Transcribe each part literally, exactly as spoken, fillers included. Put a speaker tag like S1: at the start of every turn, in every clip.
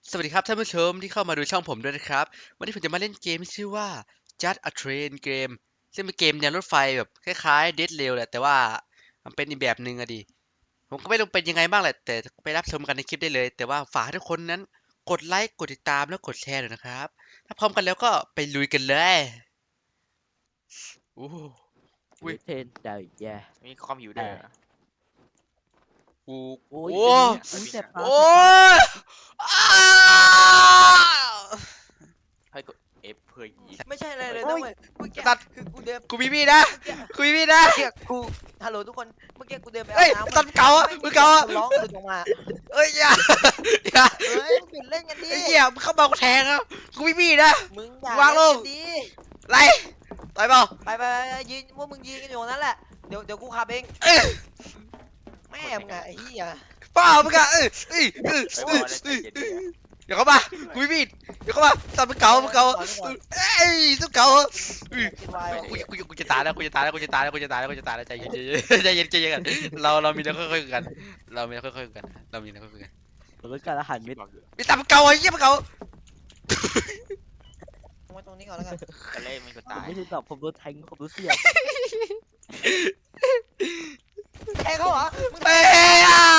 S1: สวัสดีครับท่านผู้ชมที่เข้ามาดูช่องผมด้วยนะครับวันนี้ผมจะมาเล่นเกมที่ชื่อว่า Just a Train เกมซึ่งเป็นเกมแนวรถไฟแบบคล้ายๆ Dead Rail แหละแต่ว่ามันเป็นอีกแบบหนึ่งอะดิผมก็ไม่รู้เป็นยังไงบ้างแหละแต่ไปรับชมกันในคลิปได้เลยแต่ว่าฝากให้ทุกคนนั้นกดไลค์กดติดตามแล้วกดแชร์หน่อยนะครับถ้าพร้อมกันแล้วก็ไปลุยกันเลยโอ้โหอุ้ย
S2: เทนได้แย่
S3: มีคอมอยู่ด้วยเหรอ
S1: กู
S2: โอ้ย
S1: โอ้
S2: เป็นไง
S3: เอ้
S2: อุ้
S3: ย
S2: ย
S3: มี
S2: แสบ
S3: นะ
S2: ตา
S1: โอ้
S2: แสบตา
S1: ยอ้าว
S3: ให้กด F เพื่อยิง
S4: ไม่ใช่อะไรเลย
S1: โอ้
S4: นะ
S1: ย
S4: เว้ยเมื่อกี้
S1: ตัด
S4: คือกูเดิน
S1: กูมีมีดนะ
S4: เมื่อกี้
S1: กูมีมีดนะ
S4: เมื่อกี้กูฮัลโหลทุกคนเมื่อกี้กูเดินไป
S1: เอ้
S4: เอา
S1: ย
S4: น้ำ
S1: ตัดเก่าอะ
S4: ไม่
S1: มือเก่าอะ
S4: คนร้องหลุดออกมา
S1: เอ้ยอย่าอย่า
S4: เฮ้ยมึงหยุดเล่นกันดิ
S1: ไอ้เหี้ยมึงเข้ามากูแทงอ่ะกูไม่มีนะ
S4: มึงอย่าว
S1: างล
S4: เล่น
S1: ง
S4: กันดิ
S1: ไรต่อยเปล่า
S4: ไปไปไปยืนพวกมึงยืนกันอยู่ตรงนั้นแหละเดี๋ยวเดี๋ยวกูขับเอง
S1: เอ้ย
S4: แม่มึงอะไอ้เหี้ย
S1: เปล่ามึงอะเอ้ยเอ้ยเอ้ย
S3: ไป
S1: เอ้ย
S3: บอกแล้วใจ
S1: เอ้ย
S3: เย็น
S1: เดี๋ยวเข้ามากูไม่มีเดี๋ยวเข้ามาตัดมือเก่ามือเก่าเอ้ยตัวเก่าอะ
S4: คิดไว้
S1: กูกูกูจะตายแล้วกูจะตายแล้วกูจะตายแล้วกูจะตายแล้วกูจะตายแล้วใจเย็นใจเย็นใจเย็นใจเย็นกันเราเรามีเรื่องค่อยๆคุยกันเรามีเรื่องค่อยๆคุยกันเรามีเรื่องค่อยๆคุยกัน
S2: รถการอาหารเม็ด
S3: บอกอยู่
S1: มีตัดมือเก่าไอ้เหี้ยมือเก่า
S4: ไว้ตรงนี้ก่อนแล้วกัน
S3: ไปเล่นมันก็
S2: ผม
S3: ตาย
S2: ไม่รู้ตอบผมโดนแทงผมรู้เสียบ
S4: แทงเขาเหรอมึงแท
S1: เอ้
S4: ง
S1: ยอ่ะ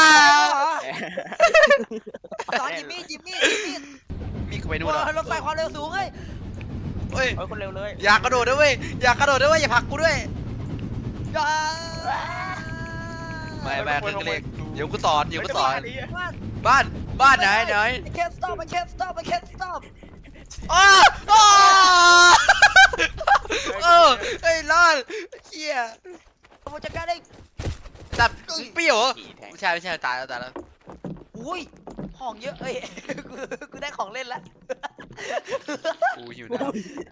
S4: เขาเหรอสอนจิมมี่จิมมี่จิมมี่
S1: มีกูไปนู่น
S4: โอ้
S1: แล้ว
S4: ยรถไฟความเร็วสูงเฮ้ย
S1: เฮ้ย
S3: เฮ้ยคนเร็วเลย
S1: อย่ากระโดดด้วยเว้ยอย่ากระโดดด้วยเว้ยอย่าผลักกูด้วย
S4: อย่า
S1: ไม่ไม่เครื่องเล็กเดี๋ยวกูสอนเดี๋ยวกูสอน
S4: บ้าน
S1: บ้านบ้านไหนไหน
S4: I can't stop I can't stop I can't stop
S1: อ้าอ้าเออเฮ้ยรอดเชี่ย
S4: ผมจัดการได้
S1: จับมึงเปรี้ยวเหรอ
S3: ขี่แทง
S1: ไม่ใช่ไม่ใช่ตายแล้วตายแล้ว
S4: อุ้ยของเยอะเอ้ย กูกูได้ของเล่นแล้ว
S1: กูหิวน้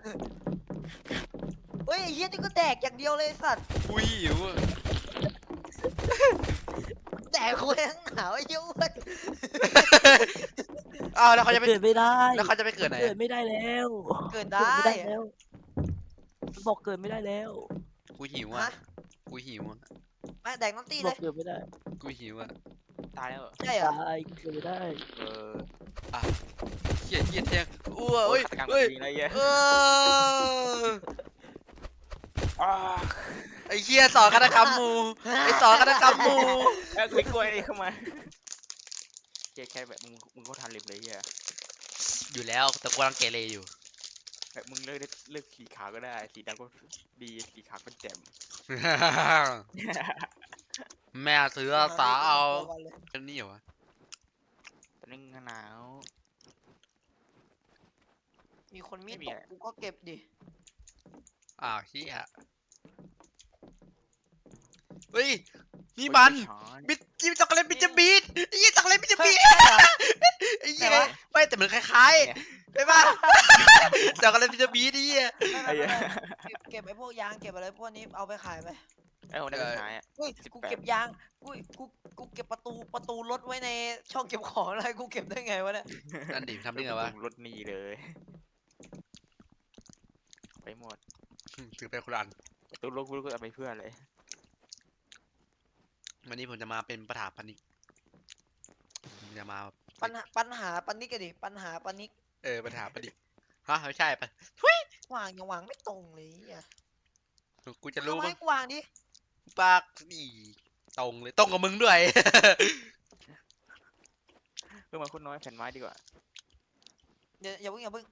S4: เฮ้ยไอ้เฮียนี่ก็แดกอย่างเดียวเลยไอ้สัตว์
S1: ำกูหิวอะ
S4: แดกกูทั้งหนาวไอ้เหี้ยอ้วน
S1: อ้าวแล้วเขาจะไป
S2: เกิดไม่ได้
S1: แล้วเขาจะไปเกิดไหน
S2: เกิดไม่ได้แล้ว
S4: เกิด
S2: เกิ
S4: ได้
S2: ดไม่ได้แล้วมันบอกเกิดไม่ได้แล้ว
S1: กูหิวอ่ะ
S4: ฮะ
S1: กูหิวอ่ะ
S4: แม่แดกน้ำตี
S2: บ
S4: เล
S2: อก
S4: ย
S2: เกิดไม่ได้
S1: กูหิวอ่ะ
S3: ตายแล้วเหรอ
S4: ใช่เหรอ
S2: ตายเกิดไม่ได้
S3: เออ
S1: เฮียเฮียแทงอ้ว
S3: โอ้
S1: เฮ้
S3: ย
S1: ย
S3: ฆาตกรรม
S1: เฮ้ย
S3: จริงเลยเหี้ย
S1: เออ
S3: อ้า
S1: ไอ้เฮียสอนคณะกรรมหมูไอ้สอนคณะกรรมหมู
S3: เอ้ยไม่กลัวนี่เข้ามาแค่แค่แบบมึงมึงก็ทันเล็บเลยเฮีย
S1: อยู่แล้วแต่กูกำลังเกเรอยู่
S3: แบบมึงเลือกได้เลือกสีขาวก็ได้สีดำก็ดีสีขาวก็แจ่ม
S1: แม่ซื้อสาวเอาอันนี้เหรอวะ
S3: ตอนนี้หนาว
S4: มีคนมีด
S3: ไม่มี
S4: ตก
S3: อะไร
S4: กูก็เก็บดิ
S1: อ้าวเฮียเฮ้ยนี่มัน
S3: ช้อน
S1: บิดจิ้มช็อกโกแลตบิดจะบีดไอ้เหี้ยช็อกโกแลตบิดจะ
S4: เฮ้ย
S1: บีด
S4: ใช่เหรอ
S1: ไอ้เหี้ย
S4: ไหนวะ
S1: ไม่แต่มันคล้ายๆใช่ปะช็อกโกแลตบิดจะบีดไอ้เหี้ย
S4: ไม่
S3: ไอ้
S4: ไม่
S3: เหี้ย
S4: ไม่เก็บเก็บไอ้พวกยางเก็บอะไรพวกนี้เอาไปขายไป
S3: ไอ้คนนั้นก็หายอ่ะ
S4: เฮ้ย
S3: สิบ
S4: กู
S3: แปด
S4: เก็บยางกูกูกูเก็บประตูประตูรถไว้ในช่องเก็บของอะไรกูเก็บได้ไงวะเนี่ย
S1: นั่นดิทำได้ไงวะ
S3: รถหนีเลย ไปหมด
S1: ถือไปคนละอัน
S3: ตัวรถกูก็เอาไปเพื่ออะไร
S1: วันนี้ผมจะมาเป็นประถาปนิกผมจะมา
S4: ปัญหาปัญหาปันนิกกันดิปัญหาปันนิก
S1: เออประถาปนิกฮะไม่ใช่ปะ
S4: วางยังวางไม่ตรงเลยอ่ะ
S1: กูจะรู้
S4: เอา
S1: มั้
S4: ไม้
S1: ง
S4: กูวางดิ
S1: ปากอีตรงเลยตรงกับมึงด้วย
S3: เพื่อมาคนน้อยแผ่นไม้ดีกว่า
S4: เดี๋ยวอย่าเพิ่งอย่าเพิ่ง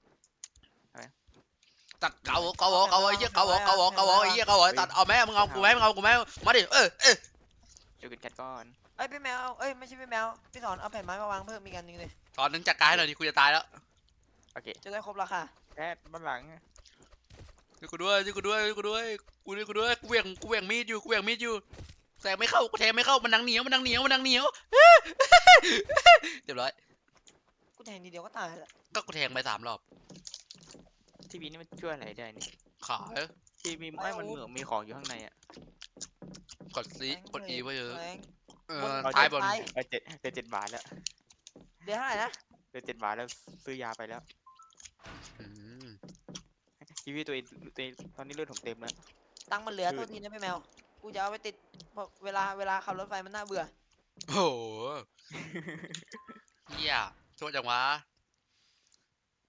S1: ตัดเกาเกาเกาไอ้เหี้ยเกาเกาเกาไอ้เหี้ยเกาตัดเอาแม่มึงเอากูแม่มึงเอากูแม่มาดิเออเออ
S3: ช่วยกันแคทก้อน
S4: เอ้ยพี่แมวเอ้ยไม่ใช่พี่แมวพี่สอนเอาแผ่นไม้มาวางเพิ่มอีกอันหนึงเลย
S1: ตอนนึงจัดการให้หน่อยดิกูจะตายแล้ว
S3: โอเค
S4: จะได้ครบราคา
S3: แคทบ้านหลัง
S1: ช่วยกูด้วยช่วยกูด้วยช่วยกูด้วยกูด้วยกูด้วยกูเหวี่ยงกูเหวี่ยงมีดอยู่กูเหวี่ยงมีดอยู่แทงไม่เข้ากูแทงไม่เข้ามันนังเหนียวมันนังเหนียวมันนังเหนียวเรียบร้อย
S4: กูแทงทีเดียวก็ตายแหละ
S1: ก็กูแทงไปสามรอบ
S3: ทีวีนี่มันช่วยอะไรได้นี่
S1: ขาย
S3: ทีวีไม่มันเหมือนมีของอยู่ข้างในอ่ะ
S1: กดซีกดอีไว้เยอะ
S4: แรง
S1: เออ
S4: เอา
S1: ท้ายบน
S4: ท้าย
S3: เออเจ็ดเดือนเจ็ดบาทแล้ว
S4: เดี๋ยวเท่าไหร่นะ
S3: เดือนเจ็ดบาทแล้วซื้อยาไปแล้ว
S1: อืม
S3: ทีวีตัวเองตัวเองตอนนี้เลือดผมเต็มแล้ว
S4: ตังค์มันเหลือ
S3: คือ
S4: โทษทีนะพี่แมวกูจะเอาไปติดเพราะเวลาเวลาขับรถไฟมันน่าเบื่อ
S1: โอ้โหเฮียโทษจังวะ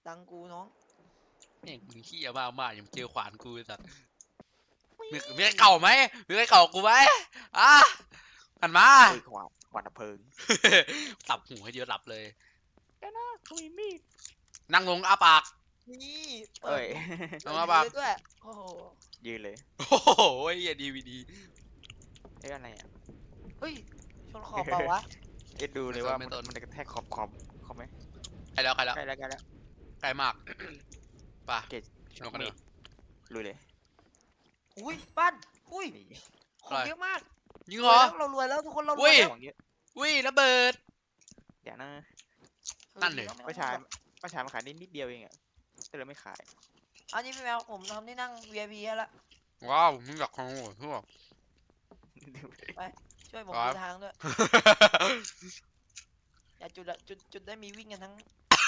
S4: ตังกูน้อง
S1: แม่งมึงขี้ยมากมากอย่ามาเจอขวานกูไอ้สัตว์มีมีใครเข่าไหมมีใครเข่ากูไหมอ่ะหันมา
S3: เฮ้ยขวานขวานดับเพลิง
S1: ตับหูให้เดียวหลับเลย
S3: แกนะกูมีมีด
S1: นั่งลงอ้าปาก
S4: นี่เปิ
S3: เอ้
S4: ด
S3: ย
S1: เอามาปะ
S4: เลยด้วยโอ้โห
S3: ยืนเลย
S1: โอ้โหไอ้เหี้ยดีวีดี
S3: เอ้ยอะไรอ่ะ
S4: เฮ้ยชนขอบเปล่าวะ
S3: เอ็ดดูเลยว่ามันมันจะกระแทกขอบขอบขอบไหม
S1: ใกล้แล้วใกล้แล้ว
S3: ใกล้แล้วใกล้แล้ว
S1: ใกล้มากป่ะ
S3: เกต
S1: ลงกัน
S3: มี
S1: เถ
S3: ด
S1: อะ
S3: ลุยเลย
S4: อุ้ยปั้นอุ้ย
S3: นี่
S4: ของเยอะมาก
S1: ยิง
S4: ร
S1: เหร
S4: วย
S1: อ
S4: แล้วเรารวยแล้วทุกคนเราร
S1: อุ้
S4: วย
S1: ย
S4: แล้ว
S3: ของเยอะ
S1: วิ่ระเบิด
S3: เดี๋ยวนะ
S1: นั่นดิ
S4: ออ
S3: ประชาประชามาขายนิดนิดเดียวเองอ่ะแต่เราไม่ขาย
S4: อันนี้พี่แมวผมทำที่นั่ง วี ไอ พี ให้ละ
S1: ว้าวมึงอยากของหัวทั่ว
S4: ช่วยผม
S1: ครับ
S4: ดูทางด้วยอย่าจุดอะจุดจุดได้มีวิ่งกันทั้ง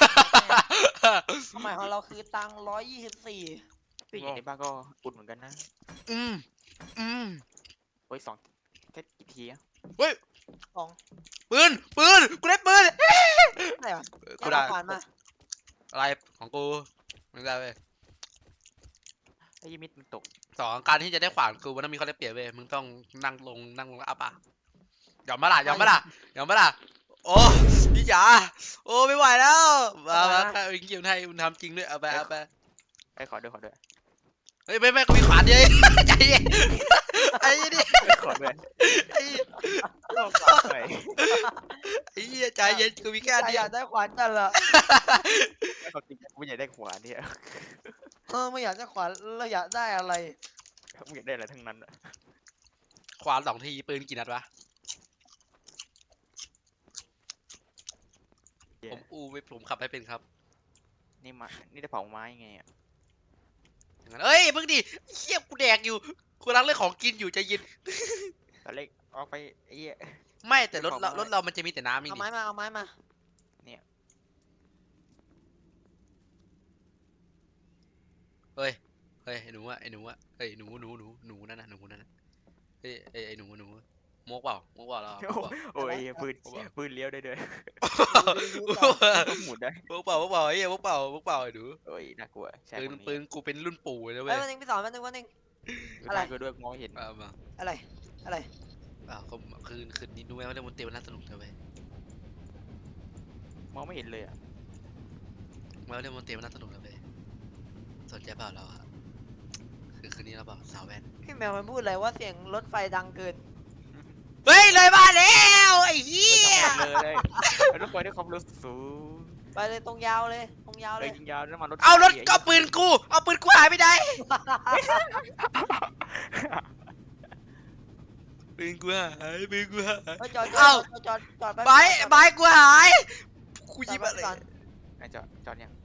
S4: ความหมายของเราคือตังร้อยยี่สิบสี่
S3: ผู้หญิงในบ้านก็อุดเหมือนกันนะ
S1: อืมอืม
S3: โอ้ยสองแค่กี่ทีอะ
S1: เฮ้ย
S4: ของ
S1: ปืนปืนกูได้ปืน
S4: อะไรวะ
S1: กู
S4: อย่า
S1: ได้
S4: เอาขวานมา
S1: อะไรของกูมึงได้เว้ย
S3: ไอ้ยมิดมันตก
S1: สองการที่จะได้ขวานกูมันต้องมีข้อได้เปรียบเว้ยมึงต้องนั่งลงนั่งลงแล้วอ้าปากยอมมาล่ะยอมมาล่ะยอมมาล่ะโอ้พี่จ๋าโอ้ไม่ไหวแล้วมามาแค่เองเกี่ยวให้มึงทำจริงด้วยเอาไปเอาไป
S3: ไอ้ยขอด้วยขอด้วย
S1: เฮ้ยไม่ไม่กูมีขวานเดียวเอง ใจเย็นไอ้เหี้ยดิ
S3: เอ้ยขอด้วย
S1: ไอ้เหี้ย
S3: ขอฝากหน่อย
S1: ไอ้เหี้ยใจเย็นกูมีแค่
S4: ใคร
S1: เดี
S4: อย ยาว กได้ขวานกันเหรอ
S3: ขอจริงกูไม่อยากได้ขวานเนี่ย
S4: เออไม่อยากได้ขวานเราอยากได้อะไร
S3: ไม่อยากได้อะไรทั้งนั้นอะ
S1: ขวานสองทีปืนกี่นัดวะ
S3: เหี้ย
S1: ผมอูไม่ผมขับไม่เป็นครับ
S3: นี่มานี่ได้เผาไม้ไงอ่ะ
S1: อย่างนั้นเอ้ยเพิ่งดิเหี้ยกูแดกอยู่กูกำลังเล่นของกินอยู่ใจเย็น
S3: ตอนเล็กออกไปไอ้เหี้ย
S1: ไม่แต่รถ
S3: ของ
S1: เรา
S3: ไม้
S1: รถเรามันจะมีแต่น้ำนี่
S4: เอา
S1: นี่
S4: ไม้มาเอาไม้มา
S1: เฮ้ยเฮ้ยไอ้หนูอะไอ้หนูอะเฮ้ยหนูหนูหนูหนูนั่นน่ะหนูนั่นน่ะเฮ้ยไอ้ไอ้หนูหนูมกเปล่ามกเปล่าเรามก
S3: โอ้
S1: เปล่า
S3: โอ้ยปืนปืนเลี้ยวได้ด้วย
S4: ดูๆก่อน
S3: หมุนได้
S1: มกเปล่ามกเปล่าไอ้เหี้ยมกเปล่ามกเปล่าไอ้หนู
S3: โอ้ยน่ากลัวใช่
S1: ปืน
S3: คนนี้
S1: ปืนกูเป็นรุ่นปู่เลยนะเว้
S4: เฮ้ย
S1: ย
S4: วันนึงพี่สอนวันนึงวันนึง
S3: ดู
S4: อะไร
S3: ทางกูด้วยมองไม่เห็น
S1: มามา
S4: อะไรอะไร
S1: อ่าเขาคืนคืนนี้ดูไหมว่าเล่นบนเตียงมันน่าสนุกเธอเว้ย
S3: มองไม่เห็นเลยอ่ะ
S1: มาเล่นบนเตียงมันน่าสนุกเธอเว้ยสนใจเปล่าเราอะคือคืนนี้เราเปล่าสาวแว่น
S4: พี่แมวมันพูดอะไรว่าเสียงรถไฟดังเกิน
S1: เฮ้ยเลยบ้านแล้วไอ้เหี้ย
S3: ไม่ทำอะไรเลยแล้วรถไฟด้วยความเร็วสูง
S4: ไปเลยตรงยาวเลยตรงยาว
S3: เล
S4: เลย ย
S3: ยิงยาวน้ำมันรถ
S1: เอารถเอาปืนกูเอาปืนกูหายไปไหนปืนกูหายปืนกูหาย
S4: เฮ้ยจอดจ
S1: เอ้า
S4: อดจอดจอดจอด
S1: ไบร์ทไบร์ทกูหายกู
S4: จ
S1: ยิ
S4: อบ ด
S1: อะไร
S4: ก่อน
S3: ไอ้จอดจอดเนี่ย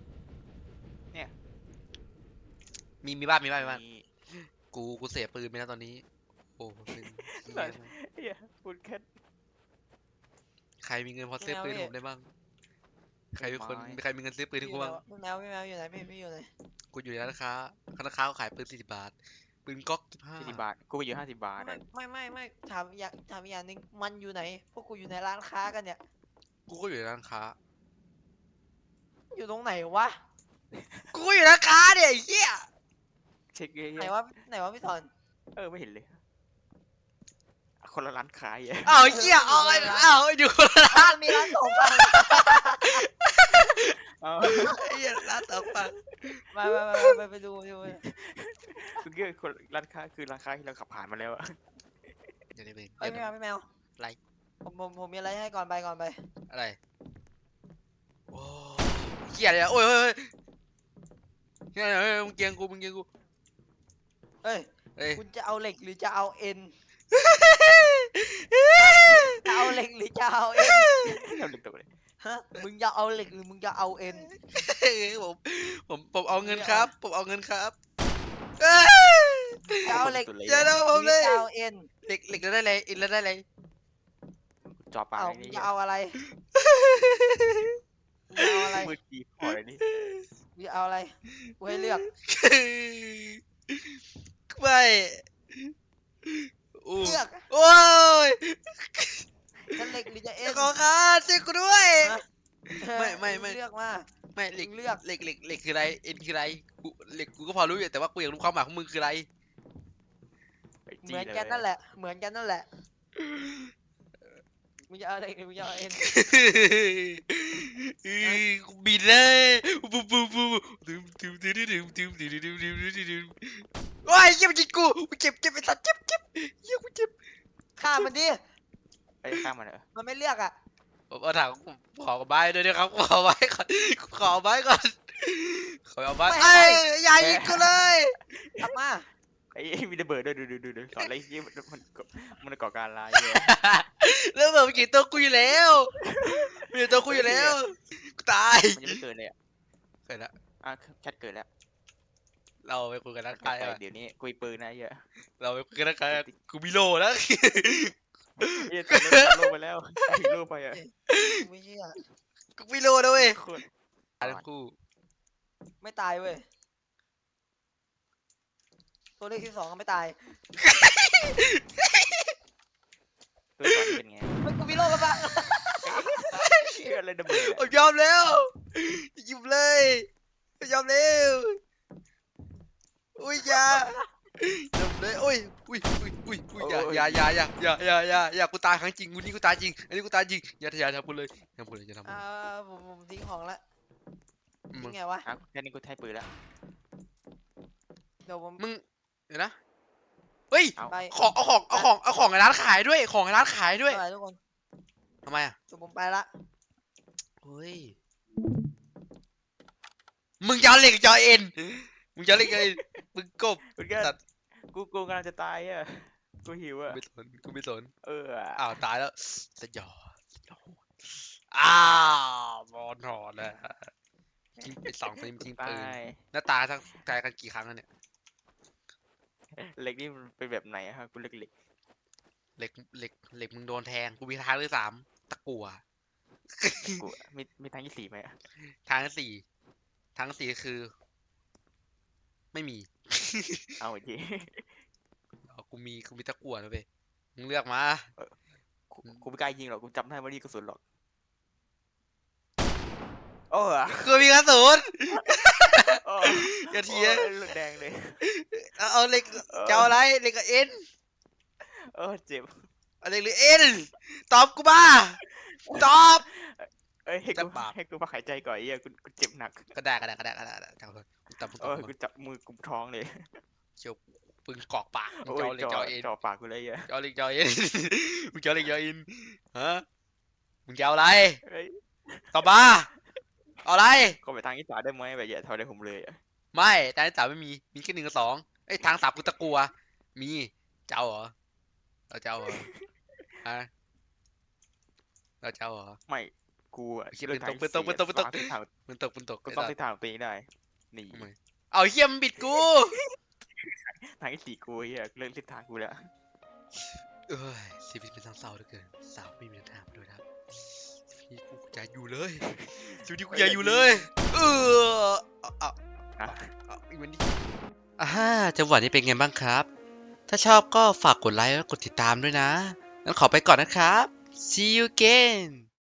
S1: มีมีบ้านมีบ้านมีบ้าน
S3: มี
S1: กูกูเสียปืนไปแล้วตอนนี้โอ้ปืน
S3: เฮียปืนแค่
S1: ใครมีเงินพอซื้อปืนให้ผมได้บ้างใครเป็นคน
S3: ไม่
S1: ใครมีเงินซื้อปืนให้กูบ้าง
S4: พี่แมวพี่แมวอยู่ไหนพี่พี่อยู่ไหน
S1: กูอยู่ในร้านค้าร้านค้าเขาขายปืนสี่สิบบาทปืนก๊อกยี่สิบห้า
S3: สี่สิบบาทกูไปอยู่ห้าสิบบาท
S4: ไม่
S3: อะ
S4: ไม่ไม่ไม่ถามอย่างถามอย่างหนึงมันอยู่ไหน พวกกูอยู่ในร้านค้ากันเนี่ย
S1: กูก็อยู่ในร้านค้า
S4: อยู่ตรงไหนวะ
S1: กูก็อยู่ในร้านค้าเนี่ยไอ้เหี้ย
S3: เช็คเย
S4: ไหน
S3: อะ
S4: วะไหนวะพี่สอน
S3: ๆเออไม่เห็นเลย คนละร้านขายอ่ะ
S1: อ้าวไอ้เหี้ยเอาไอ้อ้าวไอ้ดูคนละร้าน
S4: มีร้านสองฝั่ง
S3: เอา
S1: ไอ้เหี้ยร้านต่อไป
S4: มาไปไปไปไปดูไปดู
S3: คือเกี่ยวคนร้านค้าคือร้านค้าที่เราขับผ่านมาแล้วอะ
S1: เดี๋ยวนี้เอง
S4: เฮ้ยพี่แมวพี่แมว
S1: อะไร
S4: ผมผมผมมีอะไรให้ก่อนไปก่อนไป
S1: อะไรโอ้เหี้ยอะไรอะโอ้ยเฮ้ยเฮ้ยเฮ้ยเฮ้ยมึงเกียงกูมึงเกียงกู
S4: เฮ้ย
S1: เฮ้ย
S4: คุณจะเอาเหล็กหรือจะเอาเอ็นจะเอาเหล็กหรือจะเอาเอ็น
S3: เราดึกตัวเลย
S4: ฮะมึงจะเอาเหล็กหรือมึงจะเอาเอ็น
S1: ผมผมผมเอาเงินครับ ผมเอาเงินครับเอ้ย
S4: จะเอาเหล็ก
S1: อย่าทำผมเลย
S4: จะเอาเอ็น
S1: เหล็กเหล็กแล้วได้เลยอินแล้วได้เลย
S3: จอปลา
S4: เอา
S3: อะไร
S4: มึง
S3: นี่
S4: จะเอาอะไรมึงจะเอาอะไร
S3: มือจีบพออะไรนี่
S4: มึงจะเอาอะไรกูให้เลือก
S1: ไม่อู้
S4: เลือก
S1: โอ้ย
S4: จะเหล็กหรือจะเอ็น
S1: ขอคาช่วยกูด้วย
S4: ฮะ
S1: ไม่ไม่ไม่
S4: เลือกมา
S1: ผไม่เหล็ก
S4: มึงเลือก
S1: เหล็กเหล็กเหล็กคืออะไรเอ็นคืออะไรกูเหล็กกูก็พอรู้อยู่แต่ว่ากูอยากรู้ความหมายของมึงคืออะไร
S3: ไป
S4: เห
S3: จี้
S4: มือน
S3: เลย
S4: กันนั่นแหละ เหมือนกันนั่นแหละมึงจะเอาอะไรมึงจะเอาเอ็น
S1: อือกูบินเลยปุ๊บปุ๊บปุ๊บดึมดึมดึมดึมดึมดึมดึมดึมดึมดึมโอ้ยเจ็บจริงกูกูเจ็บเจ็บไอ้สัตว์เจ็บเจ็บเหี้ยกูเจ็บ
S4: ฆ่ามันดิ
S3: ไอ้ยข้ามมันเหรอ
S4: มันไม่เลือกอ่ะ
S1: ผมเอาถังขอไม้ด้วยนะครับขอไม้ก่อนขอไม้ก่อนขอเอาไม้เอ้ยอย่ายิงกูเลย
S4: กลับมา
S3: ไอ้ยมีระเบิดด้วยดูดูดูดูสอนอะไรเงี้ยมันมันมันก่อการร้ายเยอะ
S1: แล้วแบบเมื่อกี้ตัวกูอยู่แล้วมีตัวกูอยู่แล้วกูตาย
S3: มันยังไม่เกิดเลยอ่ะ
S1: เกิดละ
S3: อ่ะแชทเกิดแล้ว
S1: เราไปคุยกันนัก
S3: ไป
S1: กาย
S3: ไป
S1: อ่ะ
S3: เดี๋ยวนี้กุยปืนนะเยอะ
S1: เราไปคุยกันนักกายอะกูมีโลแล้ว
S3: เหี้ยตอนโลกไปแล้วถึงโลกไปอ่ะ
S4: กูไม่เชื่อ
S1: กูมีโลแล้วเว้ย
S3: โคตร
S1: ตายทั้งคู่
S4: ไม่ตายเว้ย ตัวเลขที่สองก็ไม่ตาย
S3: ตัวสอนนี่เป็นไง
S4: เฮ้ยกูมีโรคกระบะ
S3: เชี่ยอะไรระเบิด
S1: ผมยอมแล้วหยิบเลยยอมแล้วอุ้ยอย่ายอมเลยอุ้ยอุ้ยอุ้ยอุ้ยอุ้ยอย่าอย่าอย่าอย่าอย่าอย่าอย่าอย่ากูตายครั้งจริงกูนี่กูตายจริงอันนี้กูตายจริงอย่าอย่าทำกูเลยอย่าทำกูเลยอย่าทำกู
S4: อ่าผมผมทิ้งของละ
S1: มึ
S4: ทิ้
S1: ง
S4: งไงวะ
S3: อ่ะแค่นี้กูใช้ปืนแล้ว
S4: เดี๋ยวผม
S1: มึงเดี๋ยวนะเฮ้ย
S3: เอา
S4: ไป
S1: ของเอาของเอาของเอาของในร้านขายด้วยของในร้านขายด้วย
S4: อะไรทุกคน
S1: ทำไมอ่ะ
S4: เดี๋ยวผมไปละ
S1: เฮ้ยมึงจะเอาเหล็กจะเอาเอ็นมึงจะเอาเหล็กจะเอาเอ็นมึงกบ
S3: มึงก็
S1: สัตว์
S3: กูกูกำลังจะตายอ่ะกูหิวอ่ะ
S1: ไม่สนกูไม่สน
S3: เออ
S1: อ้าวตายแล้วสยองสยองอ้าวบอลถอดแล้วทิ้งไปสองปืนทิ้ง
S3: ตา
S1: ปืน
S3: ย
S1: หน้าตาทั้งตายกันกี่ครั้งแล้วเนี่ย
S3: เหล็กนี่มันเป็นแบบไหนอะฮะกูเหล็กเหล็ก
S1: เหล็กเหล็กเหล็กมึงโดนแทงกูมีทางที่สามตะกั่ว
S3: กูมีมีทางที่สี่ไหมอะ
S1: ทางที่สี่ทางที่สี่คือ ไม่มี
S3: เอาอีกที
S1: เอากูมีกูมีตะกั่วนะเว้ยมึงเลือกมา
S3: กูกูไม่กล้ายิงหรอกกูจำได้ว่านี่กระสุนหรอกโอ้อะ
S1: กูมีกระสุน
S3: โอ้
S1: อย่าเถียง
S3: โอ้เลือดแดงเลย
S1: เอาเอาเหล็กจะเอาอะไรเหล็กกับเอ็น
S3: เออเจ็บ
S1: เอาเหล็กหรือเอ็นตอบกูมาตอบ
S3: เอ้ยให้
S1: จะ
S3: กู
S1: บาป
S3: ให้กูพักหายใจก่อนไอ้เหี้ยกูกูเจ็บหนัก
S1: ก็ได้ก็ได้ก็ได้ก็ได้ก็ได้จับกูตอบมึงต
S3: เอ
S1: อบ
S3: อ
S1: กู
S3: กู
S1: มา
S3: จับมือกุมท้องเลย
S1: เชียวปึงกรอกปากมึง
S3: โอ้
S1: จะ
S3: ย
S1: เอาเหล็ก
S3: จ่
S1: จะ
S3: อ
S1: เอาเอ็น
S3: จ่อปากกูเลยไอ่ะ
S1: จะเอาเหล็กจะเอาเอ็น มึงจะเอาเหล็กจะเอาเอ็นฮะมึงจะเอาอะไร
S3: เฮ้ย
S1: ตอบมาเอาอะไร
S3: ก็ไปทางอีสานได้ไหมแบบอย่าทำอะไรผมเลยอะ
S1: ไม่ทางที่สามไม่มีมีแค่หนึ่งกับสองเอ้ยทางสามกูตะกลัวมีจะเอาเหรอเราจะเอาเหรอฮะเราจะเอาเหรอ
S3: ไม่กูอะ
S1: โอเค
S3: เลือกทาง
S1: ปืนตกปืนตกปืนตก
S3: ที่สี่อะ
S1: มันตกมันตก
S3: กู
S1: ไอ้
S3: ต้อง
S1: สั
S3: เส้
S1: ส
S3: นทางของตัวเองได้หนี
S1: ทำไมเอาเฮียมนบิดกู
S3: ทางที่สี่กูไอ้เหี้ยเลือกเส้นทางกูแล้ว
S1: เอ้ยชีวิตเป็นทางเศร้าเหลือเกินสาวไม่มีทางมาด้วยนะครับชีวิตกูอย่าอยู่เลยชีวิตกูอย่าอยู่เลย เออเอาเอา
S3: ฮะ
S1: เอาอีกวันนี้อ่าจังหวะนี้เป็นไงบ้างครับ ถ้าชอบก็ฝากกดไลค์และกดติดตามด้วยนะงั้นขอไปก่อนนะครับ see you again